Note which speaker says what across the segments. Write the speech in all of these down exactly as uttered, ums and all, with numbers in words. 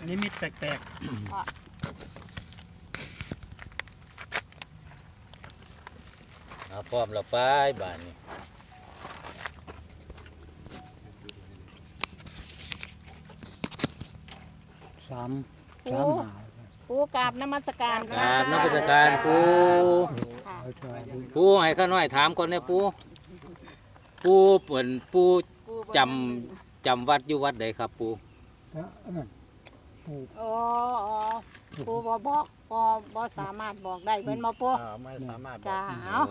Speaker 1: นิมิตแปลก
Speaker 2: ๆเอาพร้อมแล้วไปบ้านนี้
Speaker 3: สามสามหา
Speaker 4: ปูกราบนมัสการ
Speaker 2: กราบนมัสการปู
Speaker 4: ค่ะ
Speaker 3: เอาช่วย
Speaker 2: ปูให้ข้าน้อยถามก่อนเนี่ยปูปูเปิ่นปูจำจำวัดอยู่วัดใดครับปู
Speaker 4: โอ้ปูบ่บอกบ่บ่สามารถบอกได้เป็นบ่ปู
Speaker 1: ๆไม่สามารถ
Speaker 4: จ้า
Speaker 2: โอ้
Speaker 4: เอา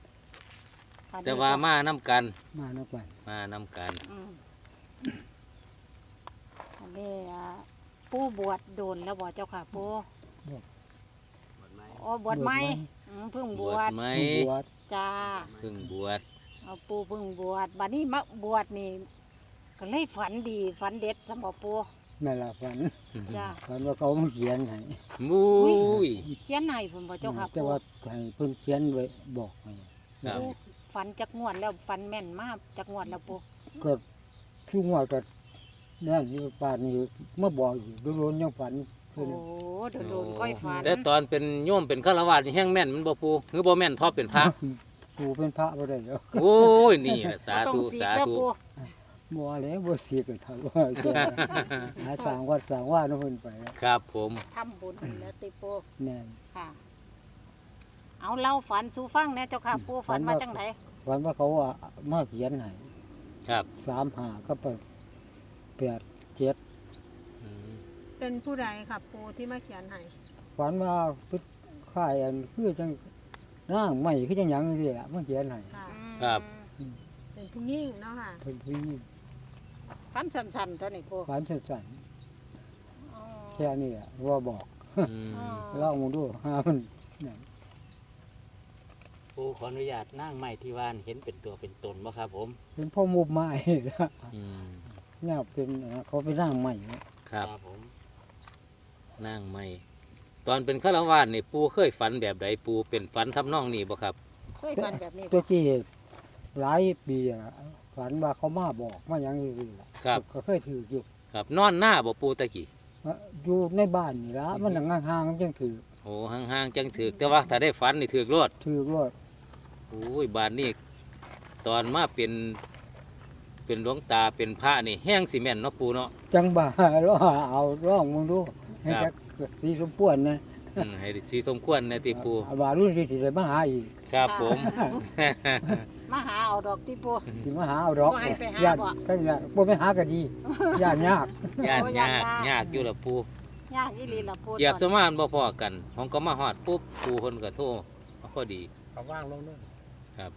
Speaker 2: แต่ว่ามาน้ำกัน
Speaker 3: มานักไป
Speaker 2: มาน้ำกัน
Speaker 4: อืมอันนี้อ่าปูบวชโดนแล้วบ่เจ้าค่ะปูอ๋อบวชไหมอืมเพิ่งบบ ว
Speaker 2: ว
Speaker 4: ช
Speaker 2: ชไหม
Speaker 3: บวช
Speaker 4: จ้า
Speaker 2: เพิ่งบวช
Speaker 4: เอาปูเพิ่งบวชบัดนี้มาบวชนี่ก็เลยฝันดีฝันเด็ดสมบ่ปู
Speaker 3: แม่ละฝัน
Speaker 4: จ้า
Speaker 3: ฝันว่าเขามาเขียนให้
Speaker 2: มุ้ย
Speaker 4: เขียนให้ผมบ่เจ้าค่ะ
Speaker 3: แต่
Speaker 4: ปู
Speaker 3: ว่าให้เพิ่นเขียนไว้บอกให้
Speaker 2: ครับ
Speaker 4: ปูฝันจักงวดแล้วฝันแม่นมากจักงวดแล้วปู
Speaker 3: ก็ช่วงว่าก็นั่นที่ป่านนี้มาบอกอยู่โดนๆยังฝัน
Speaker 4: โอ้โดนๆค่อยฝัน
Speaker 2: แต่ตอนเป็นโยมเป็นฆราวาสนี่แห้งแม่นมันบ่ปูหรือบ่แม่นทอเป็นพระ
Speaker 3: กูเป็นพระบ่ได้แล้ว
Speaker 2: โอ้ยนี่แหละสาธุ
Speaker 4: ต้องก
Speaker 2: สา
Speaker 4: แล้ว
Speaker 2: ธุ
Speaker 4: ปู
Speaker 3: บ่แล้วบ่เสียกันทำว่าเสียหาสร้างวัดสร้างว่าเนาะเพิ่นไป
Speaker 2: ครับผม
Speaker 4: ทำบุญแล้วติปู
Speaker 3: แม่น
Speaker 4: ค่ะ เอาเล่าฝันสู่ฟังแหน่เจ้าค่ะปูฝันมาจังไหน
Speaker 3: ฝันว่าเขาว่ามาเขียนให้
Speaker 2: ครับ
Speaker 3: สามหาก็ไปแปดเจ็ด
Speaker 2: อืม
Speaker 5: เป็นผู้ใดครับปูที่มาเขียนให้
Speaker 3: ฝันว่าเป็นค่ายอันคือจังร่างใหม่คือจังหยังนี่แหละมาเขียนให้
Speaker 5: ค่ะ
Speaker 2: ครับ
Speaker 5: เป็นผู้ยิ่งเนาะค่ะ
Speaker 3: เพิ่นผู้หญิง
Speaker 4: ฝันสั้นๆเท่านี้ปู
Speaker 3: ฝันสั้น
Speaker 4: อ๋อ
Speaker 3: ๆแค่นี้แหละว่าบอก
Speaker 2: อืม
Speaker 4: อ๋อ
Speaker 3: เล่ามึงดูหามันนั่น
Speaker 6: ปูขออนุญาตนั่งไม้ที่ว่านเห็นเป็นตัวเป็นตนบ่ครับผม
Speaker 3: เป็นพ่อมุบไม้
Speaker 2: อืม
Speaker 3: เนี่ยเป็นเขาไปร่างใหม่
Speaker 2: ครับ
Speaker 6: ผม
Speaker 2: นั่งไม่ตอนเป็นฆราวาสนี่ปูเคยฝันแบบใดปูเป็นฝันทำนองนี้บ่ครับ
Speaker 4: เคยฝันแบบนี้
Speaker 3: ตัว
Speaker 4: บ่
Speaker 3: ที่หลายปีอะฝันว่าเขามาบอกมาอย่างนี้ล่ะ
Speaker 2: ครับ
Speaker 3: ก็เคยถืออยู่
Speaker 2: ครับนอนหน้าบ่ปูตะกี้
Speaker 3: อยู่ในบ้านนี่ละมันห่างๆมันยังถือ
Speaker 2: โอ้ห่างๆจังถือกแต่ว่าถ้าได้ฝันนี่ถือกรด
Speaker 3: ถือว่า
Speaker 2: โอ้ยบานนี่ตอนมาเป็นเป็นหลวงตาเป็นพระนี่แห้งซีเมนต์เนาะปูเนาะ
Speaker 3: จังบ่า แล้วเอาร่องมึงดูให้
Speaker 2: ครั
Speaker 3: จั
Speaker 2: บ
Speaker 3: กสีสมควรนะ
Speaker 2: อืมให้สีสมควรในติปู
Speaker 3: บารุ่นที่สิได้มาหาอีก
Speaker 2: ครับผม
Speaker 4: มาหาเอาดอกติปู
Speaker 3: สิมาหาเอาดอก
Speaker 4: บ่ให้ไปหา
Speaker 3: ญาติ
Speaker 4: บ่
Speaker 3: ก็ญาติบ่ไปหาก็ดีญาติยาก
Speaker 2: ยาก
Speaker 4: โอ้
Speaker 2: ยาก
Speaker 4: ยาก
Speaker 2: ยากอยู่ละปู
Speaker 4: ยากอีหลีล่ะปู
Speaker 2: เหยียบ
Speaker 4: ต
Speaker 2: ส
Speaker 4: อน
Speaker 2: มานบ่พอกันผมก็มาฮอดปุ๊บปูคนก็โทรเอาพอดี
Speaker 1: เขาว่างลงด้วย
Speaker 4: ค่ะ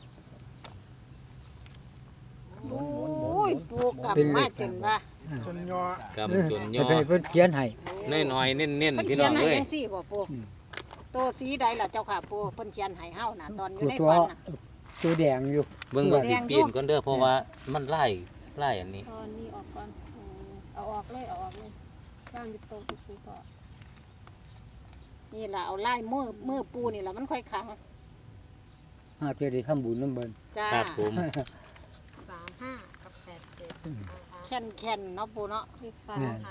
Speaker 1: หมุนหมุนหมุน
Speaker 4: โอ้ยปูกลับมาจนว่า
Speaker 1: จนย่อก
Speaker 2: ำจนย่อ
Speaker 3: ไปเพิ่นเขียนให้
Speaker 2: น้อยๆเน้น
Speaker 4: เพิ่น
Speaker 2: ๆพี่
Speaker 4: เขี
Speaker 2: น้
Speaker 4: ย
Speaker 2: อน ง
Speaker 4: ให้
Speaker 2: เอ้ย
Speaker 4: จังซี่บ่ปู
Speaker 3: อืม
Speaker 4: ตัวสีใดล่ะเจ้าค่ะปูเพิ่นเขียนให้เฮาน่ะตอนอยู่ใน
Speaker 3: ตัว
Speaker 4: ฝันน่ะ
Speaker 3: ตัวแดงอยู่
Speaker 2: เบิ่งเบิ่งสิปีนก่อนเด้อเพราะว่ามันไล่ไล่อันนี้
Speaker 5: ตอนนี้ออกก่อนอืมเอาออกเลยเอาออกเลยร่างดิบโตซื้อๆก็
Speaker 4: นี่ล่ะเอาลายมือมือปูนี่ล่ะมันค่อยขัง
Speaker 3: หาเจอได้ทำบุญนํเบิ่น
Speaker 4: จ้า
Speaker 2: ครับผม
Speaker 5: สามห้ากับแปดเจ็ด
Speaker 4: แค่นแค่นเนาะปูเนาะ
Speaker 5: เลขสาม
Speaker 3: เนี่ย
Speaker 5: ค่ะ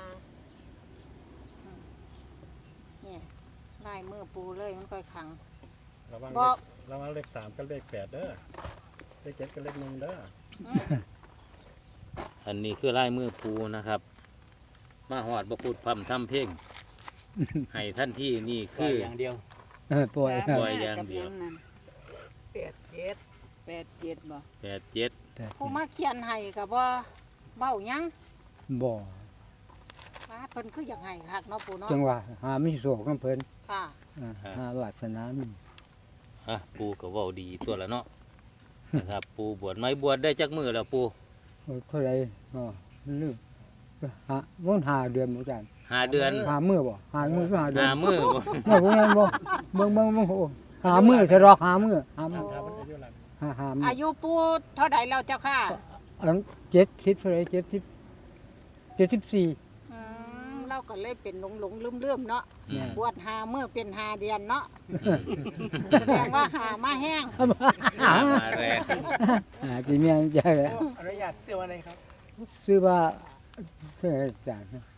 Speaker 4: นี่ลายมือปูเลยมันค่อยขัง
Speaker 1: ระวัง
Speaker 4: บ่
Speaker 1: เลขระวังเลขสามกับเลขแปดเด้อเลขเจ็ดกับเลขหนึ่งเด้อ
Speaker 4: อืม
Speaker 2: อันนี้คือไล่มือปูนะครับ มาหอดบ่พูดพร่ำทำเพลงให้ท่านที่นี่
Speaker 6: คื
Speaker 2: คือ อ
Speaker 6: อย่างเดียว
Speaker 3: เออปล่อย
Speaker 2: ปล่อยอย่างเดียว
Speaker 4: แปดเจ็ดแปดเจ็ดบ่
Speaker 2: แปดเจ็ด
Speaker 4: ผู้มาเขียนให้ก็บ่เบ้าหยัง
Speaker 3: บ่
Speaker 4: ว่าเพิ่นคืออยากให้คักเนาะปูเนาะ
Speaker 3: จังหวะหามีโศกนํเพิ่น
Speaker 4: ค่ะ
Speaker 3: อ่าหาวาสนามี
Speaker 2: อ่ะปูก็เว้าดีตัวละเนาะนะครับ ปูบวชไหม่บวชได้จักมือแล้วปู
Speaker 3: เออเท่าไหร่อ๋อลืมหามันหาเดือนเหมือนกัน
Speaker 2: หาเดือน
Speaker 3: หามื้อบ่หามื้อก็หาเดือน
Speaker 2: หามือบ่
Speaker 3: เมื่อพวกนั้นบ่เบิ่งเบิ่งเบิ่งโอ้หามือจะรอกหามือหามือ
Speaker 1: ถ้ามันอายุหลัง
Speaker 3: หาหามือ
Speaker 4: อายุปูเท่าใดแล้วเจ้าค่ะ
Speaker 3: อันเจ็ดสิบเท่าไหรเจ็ดสิบเจ็ดสิบสี่
Speaker 4: อืมเราก็เลยเป็นหลงหลงลืมลืมๆเนาะ
Speaker 2: อืม
Speaker 4: บวชหาเมื่อเป็นหาเดือนเนาะ
Speaker 2: อืม
Speaker 4: แสดงว่าหามาแห้ง
Speaker 2: หามาแรง
Speaker 3: หาจีเมียนใจ
Speaker 1: อนุญาตเสื้อวันไหนครับ
Speaker 3: ซื้อว่าเสื้อจาน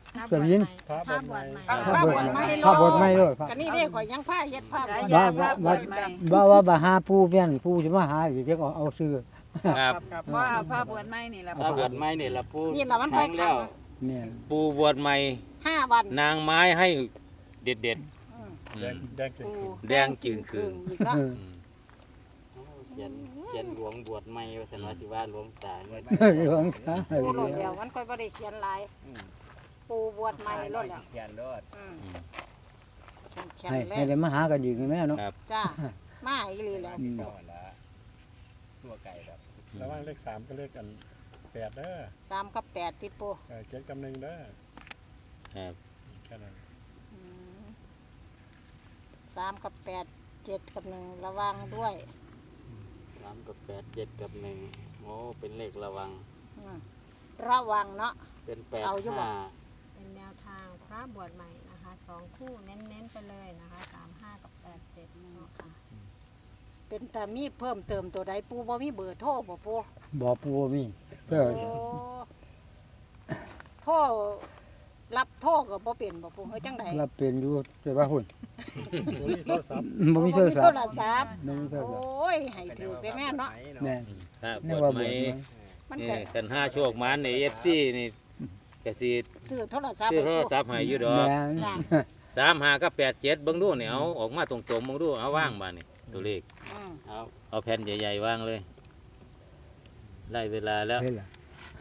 Speaker 3: สวิน
Speaker 1: พระบทใหม่
Speaker 3: พระบทใหม่พระบทใหม่ด้วยพระ
Speaker 4: ก็นี่เด้ข่อยยังผ้าเฮ็ดผ้าไว้
Speaker 3: บ้าบ้าบ้าบ้าว่าบ่หาปูเพี้ยนปูสิมาหาอยู่เดี๋ยวเอาเอาซื้อ
Speaker 2: ครับ
Speaker 7: ว่าพระบวชไม่นี่ละ
Speaker 6: ถ้าบวชไม่นี่ละปู
Speaker 4: นี่ล่ะมัน
Speaker 6: ค
Speaker 4: ค่อ
Speaker 6: รั้
Speaker 4: ย
Speaker 6: ง
Speaker 4: ขั
Speaker 6: แล้
Speaker 4: ง
Speaker 6: ว
Speaker 3: แม่น
Speaker 2: ปูบวชใหม่
Speaker 4: ห้าวัน
Speaker 2: นางไม้ให้เด็ดเด็ดๆอื
Speaker 1: แดง
Speaker 2: ม
Speaker 1: แดงจริง
Speaker 4: ปู
Speaker 2: แดงจึงคืน
Speaker 4: อีกเนาะ
Speaker 3: เออ
Speaker 2: อืม
Speaker 6: เขียนเขียนหลวงบวชไม่ว่าสันว่าสิว่าหลวงตาเงิน
Speaker 3: หลวงตา
Speaker 4: ปูโลดเดียวมันค่อยบ่ได้เขียนหลายปูบวชใหม่โลดแล้ว
Speaker 6: เขียนรถ
Speaker 4: อืม
Speaker 2: อืม
Speaker 4: แข็ง
Speaker 3: ให้
Speaker 4: ๆแล้
Speaker 3: ให้ได้
Speaker 4: ว
Speaker 3: มาหากันอีกแม่เนาะ
Speaker 2: ครับ
Speaker 4: จ้ามาอีหลีแล้ว
Speaker 3: อืม
Speaker 6: ตัวไก่ครับ
Speaker 1: ระหว่างเลขสามก็เลขกันแปดเด้อ
Speaker 4: สามกับแปดที่ปู
Speaker 1: เออเจ็ดกับหนึ่งเด้อ
Speaker 2: ครับ
Speaker 1: แค่นั้น
Speaker 4: อืมสามกับแปดเจ็ดกับหนึ่งระวังด้วย
Speaker 6: สามกับแปดเจ็ดกับหนึ่งโอ้เป็นเลขระวัง
Speaker 4: อืมระวังเนาะ
Speaker 6: เป็นแปด
Speaker 4: เอาอยู่บ่
Speaker 6: ห้า
Speaker 5: เป็นแนวทางพระบวชใหม่นะคะสองคู่เน้นๆไปเลยนะคะสามห้ากับแปดเจ็ดเนาะค่ะ
Speaker 4: เป็นแต่มีเพิ่มเติมตัวใดปูบ่มีเบอร์โทรบ่ปู
Speaker 3: บ่ปูมีเด้อ
Speaker 4: โอ้โทรรับโทรก็บ่เป็นบ่ปูเฮ้ยจังได
Speaker 3: รับเป็นอยู่แต่ว่าหุ่น
Speaker 1: บ่มีโทรศัพท์
Speaker 3: บ่มีโท
Speaker 4: บ่
Speaker 3: ร
Speaker 4: มี
Speaker 3: ศั
Speaker 4: โท
Speaker 3: พท์
Speaker 4: รศัพท์
Speaker 3: บ่มีโทร
Speaker 4: โอ
Speaker 3: ศัพท์
Speaker 4: ้ยให้ถือไปแม่เนาะ
Speaker 3: แม่น
Speaker 2: ครับบ
Speaker 3: นี่
Speaker 2: วช
Speaker 3: ว่า
Speaker 2: ให
Speaker 3: บ่
Speaker 2: ม่
Speaker 4: มัน
Speaker 2: นี่
Speaker 4: ก็
Speaker 2: กันห้าโชคมันในเอฟซีนี่ก็สิ
Speaker 4: ซื้อโทรศัพท์
Speaker 2: ซื้อโทรศัพท์ให้อยู่ดอก
Speaker 3: แม่น
Speaker 4: จ้ะ
Speaker 2: สามห้ากับแปดเจ็ดเบิ่งดูเนี่ยเอาออกมาตรงๆเบิ่งดูเอาว่างมานี่ตัวเลข
Speaker 4: อืม
Speaker 6: เอา
Speaker 2: เอาแผ่นใหญ่ๆว่างเลยไล่เวลาแล้ว
Speaker 3: เห็นล่ะ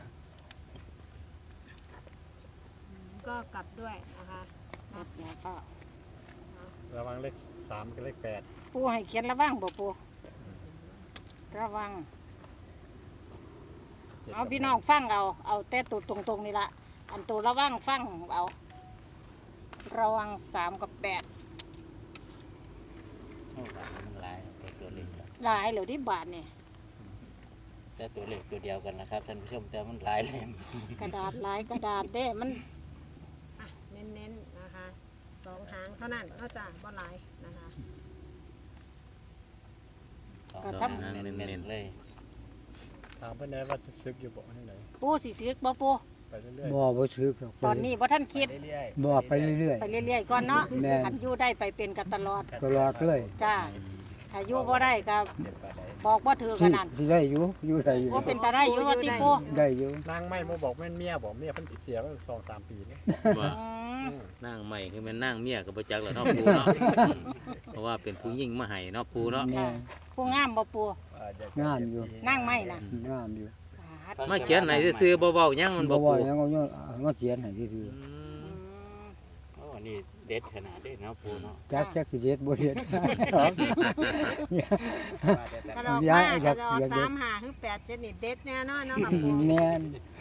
Speaker 5: ก็กลับด้วยนะคะ
Speaker 4: ครับอย่าเฝ้า
Speaker 1: ระหว่างเลขสามกับเลขแปด
Speaker 4: ปูให้เขียนระวังบ่ปูระวัง เอาพี่น้องฟังเอา เอาแต่ตัวตรงๆนี่ละอันตัวระวังฟังเอา ระวังสามกับแปด
Speaker 6: โอ้บาทมันหลายแต่ตัวเลขละ
Speaker 4: หลายเหลือที่บาทเนี่ย
Speaker 6: แต่ตัวเลขตัวเดียวกันนะครับท่านผู้ชมแต่มันหลายเลย
Speaker 4: กระดาษหลายกระดาษเด้มัน
Speaker 5: อ่ะเน้นๆนะคะสองหางเท่านั้นนอกจากบ่หลายนะคะ
Speaker 6: สองหางเน้นๆเลย
Speaker 1: ถามเพื่อนแน่ว่าจะซึกอยู่บ่ที่ไหน
Speaker 4: ปูสิซื้อบ่ปู
Speaker 1: ไปเรื่อย
Speaker 3: บ่บ่ซื้อหรอก
Speaker 4: ตอนนี้ว่าท่านคิด
Speaker 3: บ่ไปเรื่อย
Speaker 4: ไปเรื่อยๆก่อนเนาะ
Speaker 3: แม่น
Speaker 4: อันอยู่ได้ไปเป็นกันตลอด
Speaker 3: ๆตลอดเลย
Speaker 4: จ้าถ้าอยู่บ่ได้ก็บอกว่าถือข
Speaker 3: สิ
Speaker 4: นาด
Speaker 3: สิได้อยู่อยู่ได้อยู่
Speaker 4: ว่าเป็นตาได้อยู่ว่าติปู
Speaker 3: ได้อยู่
Speaker 1: ๆนางไม่มาบอกแม่นเมียบอกเมียเพิ่นเสียไปสองสามปีแล้ว
Speaker 2: ว่า
Speaker 4: อืม
Speaker 2: นั่งใหม่คือแมันนั่งเมียกับประจักษ์แล้วเนาะปูเนาะเพราะว่าเป็นผู้ยิ่งมาให้เนาะปูเนาะ
Speaker 3: แม่
Speaker 4: ผู้งามบ่ปู
Speaker 3: งามอยู่
Speaker 4: นั่งไม่นะ
Speaker 3: งามอยู่
Speaker 4: บาด
Speaker 2: มาเขียนไหนซื่อๆเบาๆหยังมันบ่
Speaker 3: บ่ว่า
Speaker 2: ปู
Speaker 3: หยังเอาย้อนเอามาเขียนให้ซื่อ
Speaker 2: อื
Speaker 4: อื
Speaker 2: ม
Speaker 4: ม
Speaker 6: โอ้นี่เด็ดขนาดเด็ดเนาะปูเนาะ
Speaker 3: ๆจักจักสิเด็ดบ่เด็ด
Speaker 5: กระดอก
Speaker 3: ย้าม
Speaker 5: าย ก
Speaker 3: อยา
Speaker 5: ระ
Speaker 3: ก
Speaker 5: ดอก
Speaker 3: อยากเด็
Speaker 5: สา
Speaker 3: ด
Speaker 5: มหาคือแปดเจ็ดนี่เด็ดแน่นอนเนาะค่ะปู
Speaker 3: แม่น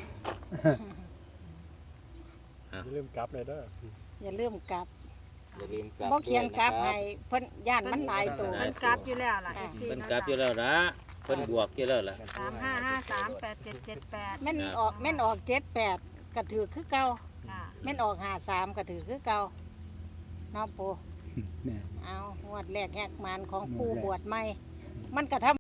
Speaker 1: อย่าลืมกลับเลยเด้อ
Speaker 4: อย่าลืมกลับ
Speaker 6: อย่าลืมกลับ
Speaker 4: บ่เขียนกลับ
Speaker 6: ด้วย
Speaker 4: ให้เพิ่นย่านมันหลายตัว
Speaker 5: มันกลับอยู่แล้วล่ะ
Speaker 4: อ่า
Speaker 5: เอฟซี
Speaker 2: เพิ่น
Speaker 5: เนาะ
Speaker 2: กลับอยู่แล้วละเพิ่นบวกอยู่แล้วล่ะ
Speaker 5: สามห้าห้าสามแปดเจ็ดเจ็ดแปด
Speaker 4: แม่นออกแม่นออกเจ็ดแปดก็ถือคือเก่า
Speaker 5: ค่ะ
Speaker 4: แม่นออกห้าสามก็ถือคือเก่าเนาะปู
Speaker 3: แม่น
Speaker 4: เอางวดแรกแหกมันของปู
Speaker 3: งวดแรก
Speaker 4: บวชใหม่ มันก็ทำ